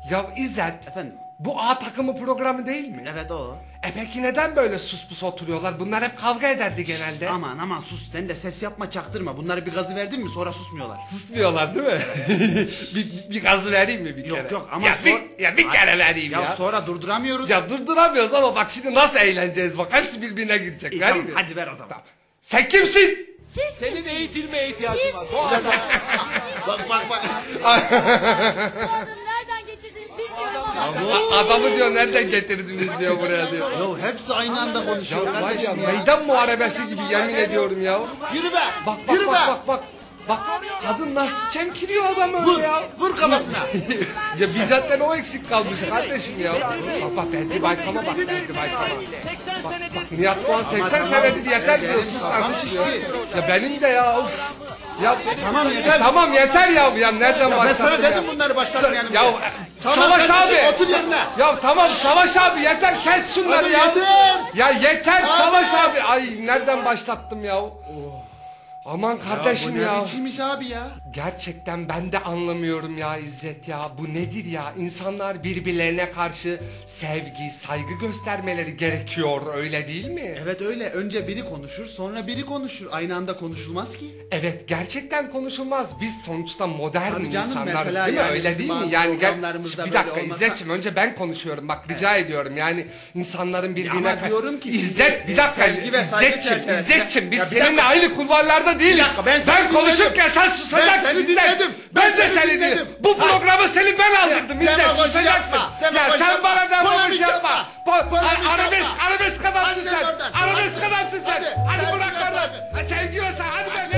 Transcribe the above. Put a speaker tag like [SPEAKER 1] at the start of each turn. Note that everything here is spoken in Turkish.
[SPEAKER 1] Ya İzzet.
[SPEAKER 2] Efendim?
[SPEAKER 1] Bu A takımı programı değil mi?
[SPEAKER 2] Evet o.
[SPEAKER 1] Peki neden böyle sus pus oturuyorlar? Bunlar hep kavga ederdi genelde.
[SPEAKER 2] Aman sus, sen de ses yapma, çaktırma. Bunlara bir gazı verdin mi sonra susmuyorlar.
[SPEAKER 1] Susmuyorlar değil mi? bir gazı vereyim mi bir kere?
[SPEAKER 2] Yok ama
[SPEAKER 1] bir kere vereyim ya.
[SPEAKER 2] Ya sonra durduramıyoruz.
[SPEAKER 1] Ya durduramıyoruz ama bak şimdi nasıl eğleneceğiz bak. Hepsi birbirine girecek.
[SPEAKER 2] İyi,
[SPEAKER 1] Vereyim
[SPEAKER 2] tamam,
[SPEAKER 1] mi?
[SPEAKER 2] hadi ver o zaman.
[SPEAKER 1] Tamam. Sen kimsin?
[SPEAKER 3] Siz
[SPEAKER 4] Senin
[SPEAKER 3] kimsiniz?
[SPEAKER 4] eğitilmeye ihtiyacın
[SPEAKER 3] Siz
[SPEAKER 4] var.
[SPEAKER 2] Bak.
[SPEAKER 3] Bu adamı nereden getirdiniz bilmiyorum ama.
[SPEAKER 1] Adamı diyor nereden getirdiniz diyor buraya diyor.
[SPEAKER 2] Ya hepsi aynı anda konuşuyor
[SPEAKER 1] Ya var ya
[SPEAKER 2] kardeşim ya.
[SPEAKER 1] meydan muharebesi gibi yemin ediyorum ya.
[SPEAKER 2] Yürü be.
[SPEAKER 1] Bak
[SPEAKER 2] Yürü be.
[SPEAKER 1] bak. Bak kadın nasıl çemkiriyor adamı
[SPEAKER 2] Vur.
[SPEAKER 1] ya.
[SPEAKER 2] Vur kafasına.
[SPEAKER 1] Ya bizden o eksik kalmış kardeşim ya. Bak Bedri Baykal'a bak Bedri Baykal'a.
[SPEAKER 4] 80 senedir.
[SPEAKER 1] Nihat Doğan 80
[SPEAKER 2] tamam.
[SPEAKER 1] senedir yeter diyor.
[SPEAKER 2] Benim
[SPEAKER 1] Sus
[SPEAKER 2] kafam
[SPEAKER 1] artık
[SPEAKER 2] şişti.
[SPEAKER 1] ya. Ya benim de ya. Of. Ya
[SPEAKER 2] Tamam, yeter.
[SPEAKER 1] Tamam yeter ya. Ya nereden
[SPEAKER 2] Ya ben
[SPEAKER 1] başlattın
[SPEAKER 2] sana
[SPEAKER 1] ya?
[SPEAKER 2] dedim bunları başlatmayalım
[SPEAKER 1] Ya
[SPEAKER 2] diye. Tamam
[SPEAKER 1] Savaş
[SPEAKER 2] kardeşim,
[SPEAKER 1] abi.
[SPEAKER 2] otur yerine.
[SPEAKER 1] Ya tamam Savaş abi yeter kes şunları
[SPEAKER 2] Hadi
[SPEAKER 1] ya.
[SPEAKER 2] yeter.
[SPEAKER 1] Ya yeter
[SPEAKER 2] Abi.
[SPEAKER 1] Savaş abi. Ay nereden başlattım ya? Aman kardeşim
[SPEAKER 2] Bu
[SPEAKER 1] ya.
[SPEAKER 2] ne biçimmiş abi ya?
[SPEAKER 1] Gerçekten ben de anlamıyorum ya İzzet ya. Bu nedir ya? İnsanlar birbirlerine karşı sevgi, saygı göstermeleri gerekiyor öyle değil mi?
[SPEAKER 2] Evet öyle. Önce biri konuşur, sonra biri konuşur. Aynı anda konuşulmaz ki.
[SPEAKER 1] Evet gerçekten konuşulmaz. Biz sonuçta modern
[SPEAKER 2] Tabii canım,
[SPEAKER 1] insanlarız
[SPEAKER 2] mesela
[SPEAKER 1] değil mi?
[SPEAKER 2] yani
[SPEAKER 1] Öyle
[SPEAKER 2] bizim
[SPEAKER 1] değil mi?
[SPEAKER 2] bazı
[SPEAKER 1] Yani
[SPEAKER 2] programlarımızda
[SPEAKER 1] bir
[SPEAKER 2] böyle
[SPEAKER 1] dakika
[SPEAKER 2] olmasa-
[SPEAKER 1] İzzet'ciğim önce ben konuşuyorum. Bak rica ediyorum. Yani insanların birbirine...
[SPEAKER 2] ama diyorum ki
[SPEAKER 1] İzzet
[SPEAKER 2] şimdi
[SPEAKER 1] bir dakika
[SPEAKER 2] sevgi ve saygı
[SPEAKER 1] İzzet'ciğim
[SPEAKER 2] çerçevesinde-
[SPEAKER 1] biz
[SPEAKER 2] Ya bir
[SPEAKER 1] seninle
[SPEAKER 2] dakika.
[SPEAKER 1] aynı kulvarlarda değiliz.
[SPEAKER 2] Bir dakika, ben seni
[SPEAKER 1] konuşurken
[SPEAKER 2] dinledim.
[SPEAKER 1] sen susacaksın.
[SPEAKER 2] Ben seni
[SPEAKER 1] İzzet.
[SPEAKER 2] dinledim.
[SPEAKER 1] Ben de seni dinledim. Bu programı senin ben aldırdım İzzet.
[SPEAKER 2] demagoji
[SPEAKER 1] Susacaksın.
[SPEAKER 2] yapma,
[SPEAKER 1] Ya
[SPEAKER 2] demagoji
[SPEAKER 1] sen
[SPEAKER 2] yapma,
[SPEAKER 1] bana demagoji
[SPEAKER 2] polemik
[SPEAKER 1] yapma.
[SPEAKER 2] yapma, polemik
[SPEAKER 1] Arabesk
[SPEAKER 2] yapma.
[SPEAKER 1] arabesk adamsın
[SPEAKER 2] Hadi
[SPEAKER 1] sen.
[SPEAKER 2] oradan,
[SPEAKER 1] Arabesk
[SPEAKER 2] hadi.
[SPEAKER 1] adamsın sen.
[SPEAKER 2] Hadi,
[SPEAKER 1] Hadi
[SPEAKER 2] sevgi
[SPEAKER 1] bırak
[SPEAKER 2] ve
[SPEAKER 1] oradan.
[SPEAKER 2] saygı.
[SPEAKER 1] Sevgi ve saygı. Hadi be.